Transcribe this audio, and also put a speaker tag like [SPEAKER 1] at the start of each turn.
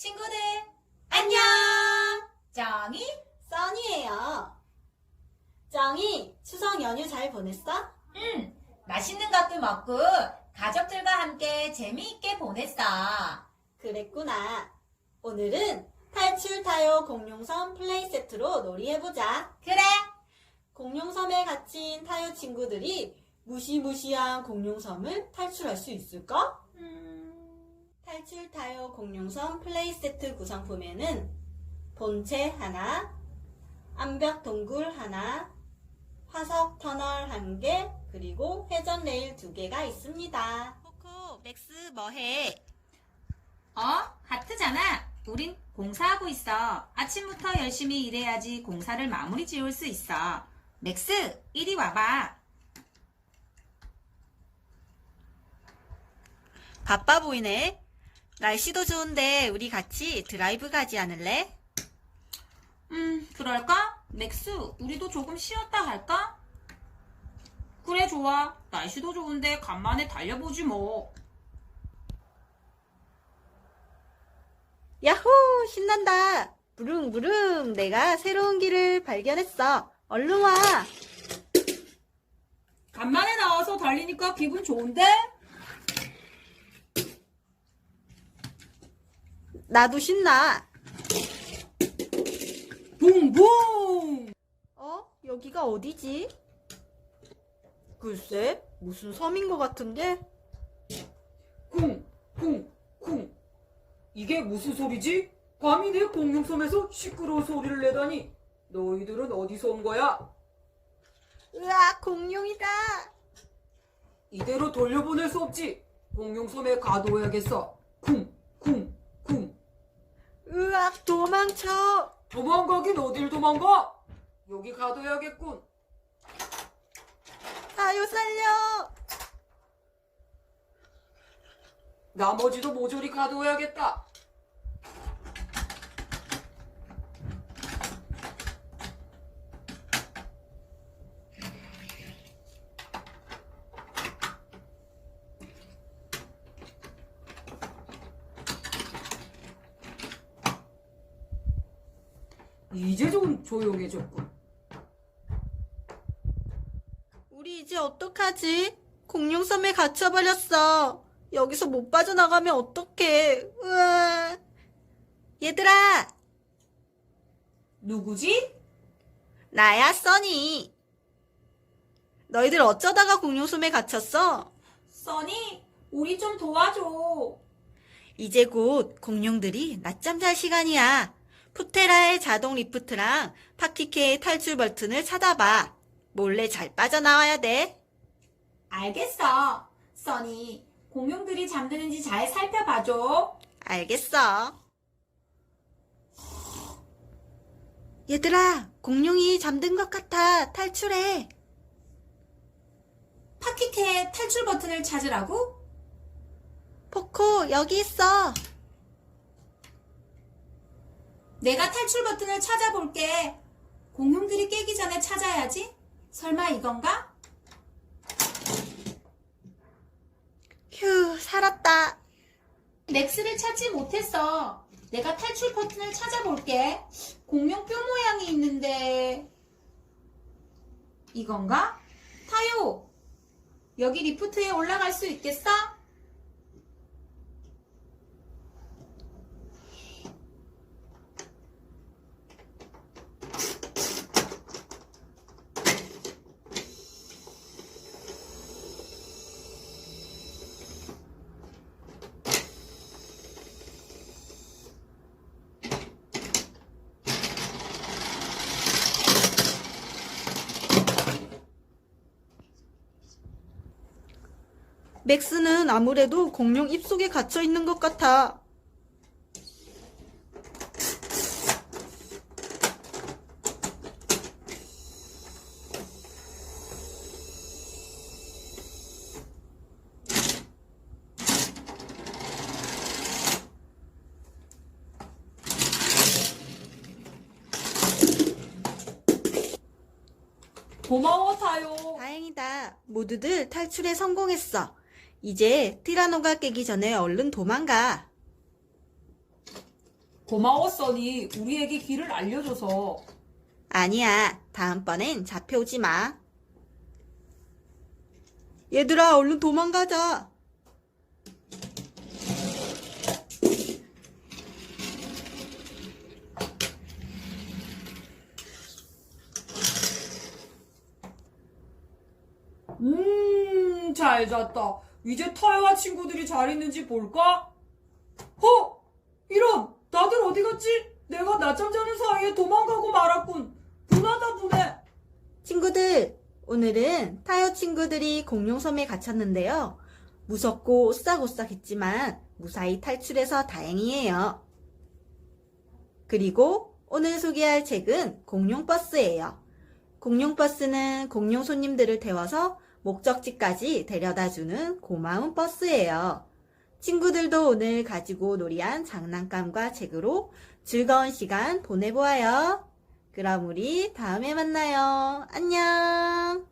[SPEAKER 1] 친구들, 안녕! 정이?
[SPEAKER 2] 써니예요. 정이 추석 연휴 잘 보냈어?
[SPEAKER 1] 맛있는 것도 먹고 가족들과 함께 재미있게 보냈어.
[SPEAKER 2] 그랬구나. 오늘은 탈출 타요 공룡섬 플레이 세트로 놀이해보자.
[SPEAKER 1] 그래,
[SPEAKER 2] 공룡섬에 갇힌 타요 친구들이 무시무시한 공룡섬을 탈출할 수 있을까? 탈출 타요 공룡섬 플레이 세트 구성품에는 본체 하나, 암벽 동굴 하나, 화석 터널 1개, 그리고 회전 레일 2개가 있습니다. 코코, 맥스 뭐해?
[SPEAKER 1] 하트잖아. 우린 공사하고 있어. 아침부터 열심히 일해야지 공사를 마무리 지을 수 있어. 맥스, 이리 와봐.
[SPEAKER 2] 바빠 보이네. 날씨도 좋은데 우리 같이 드라이브 가지 않을래?
[SPEAKER 1] 그럴까? 맥스, 우리도 조금 쉬었다 할까? 그래, 좋아. 날씨도 좋은데 간만에 달려보지 뭐.
[SPEAKER 2] 야호! 신난다. 부릉부릉 내가 새로운 길을 발견했어. 얼른 와.
[SPEAKER 1] 간만에 나와서 달리니까 기분 좋은데?
[SPEAKER 2] 나도 신나.
[SPEAKER 1] 붕붕!
[SPEAKER 2] 여기가 어디지? 글쎄, 무슨 섬인 것 같은데?
[SPEAKER 3] 쿵, 쿵, 쿵. 이게 무슨 소리지? 감히 내 공룡섬에서 시끄러운 소리를 내다니. 너희들은 어디서 온 거야?
[SPEAKER 2] 으악, 공룡이다.
[SPEAKER 3] 이대로 돌려보낼 수 없지. 공룡섬에 가둬야겠어. 쿵, 쿵, 쿵.
[SPEAKER 2] 으악, 도망쳐.
[SPEAKER 3] 도망가긴 어딜 도망가? 여기 가둬야겠군.
[SPEAKER 2] 타요 살려.
[SPEAKER 3] 나머지도 모조리 가둬야겠다. 이제 좀 조용해졌군.
[SPEAKER 2] 우리 이제 어떡하지? 공룡섬에 갇혀버렸어. 여기서 못 빠져나가면 어떡해. 으아. 얘들아,
[SPEAKER 1] 누구지?
[SPEAKER 2] 나야, 써니. 너희들 어쩌다가 공룡섬에 갇혔어?
[SPEAKER 1] 써니, 우리 좀 도와줘.
[SPEAKER 2] 이제 곧 공룡들이 낮잠 잘 시간이야. 푸테라의 자동 리프트랑 파키케의 탈출 버튼을 찾아봐. 몰래 잘 빠져나와야 돼.
[SPEAKER 1] 알겠어. 써니, 공룡들이 잠드는지 잘 살펴봐줘.
[SPEAKER 2] 알겠어. 얘들아, 공룡이 잠든 것 같아. 탈출해.
[SPEAKER 1] 파키케의 탈출 버튼을 찾으라고?
[SPEAKER 2] 포코, 여기 있어.
[SPEAKER 1] 내가 탈출 버튼을 찾아볼게. 공룡들이 깨기 전에 찾아야지. 설마 이건가?
[SPEAKER 2] 휴, 살았다.
[SPEAKER 1] 맥스를 찾지 못했어. 내가 탈출 버튼을 찾아볼게. 공룡 뼈 모양이 있는데 이건가? 타요. 여기 리프트에 올라갈 수 있겠어?
[SPEAKER 2] 맥스는 아무래도 공룡 입속에 갇혀 있는 것 같아.
[SPEAKER 1] 고마워, 타요.
[SPEAKER 2] 다행이다. 모두들 탈출에 성공했어. 이제 티라노가 깨기 전에 얼른 도망가.
[SPEAKER 3] 고마워, 써니. 우리에게 길을 알려줘서.
[SPEAKER 2] 아니야, 다음번엔 잡혀오지 마. 얘들아, 얼른 도망가자.
[SPEAKER 3] 잘 잤다. 이제 타요와 친구들이 잘 있는지 볼까? 이런! 다들 어디 갔지? 내가 낮잠 자는 사이에 도망가고 말았군. 분하다, 분해.
[SPEAKER 2] 친구들, 오늘은 타요 친구들이 공룡섬에 갇혔는데요. 무섭고 오싹오싹했지만 무사히 탈출해서 다행이에요. 그리고 오늘 소개할 책은 공룡버스예요. 공룡버스는 공룡 손님들을 태워서 목적지까지 데려다주는 고마운 버스예요. 친구들도 오늘 가지고 놀이한 장난감과 책으로 즐거운 시간 보내보아요. 그럼 우리 다음에 만나요. 안녕!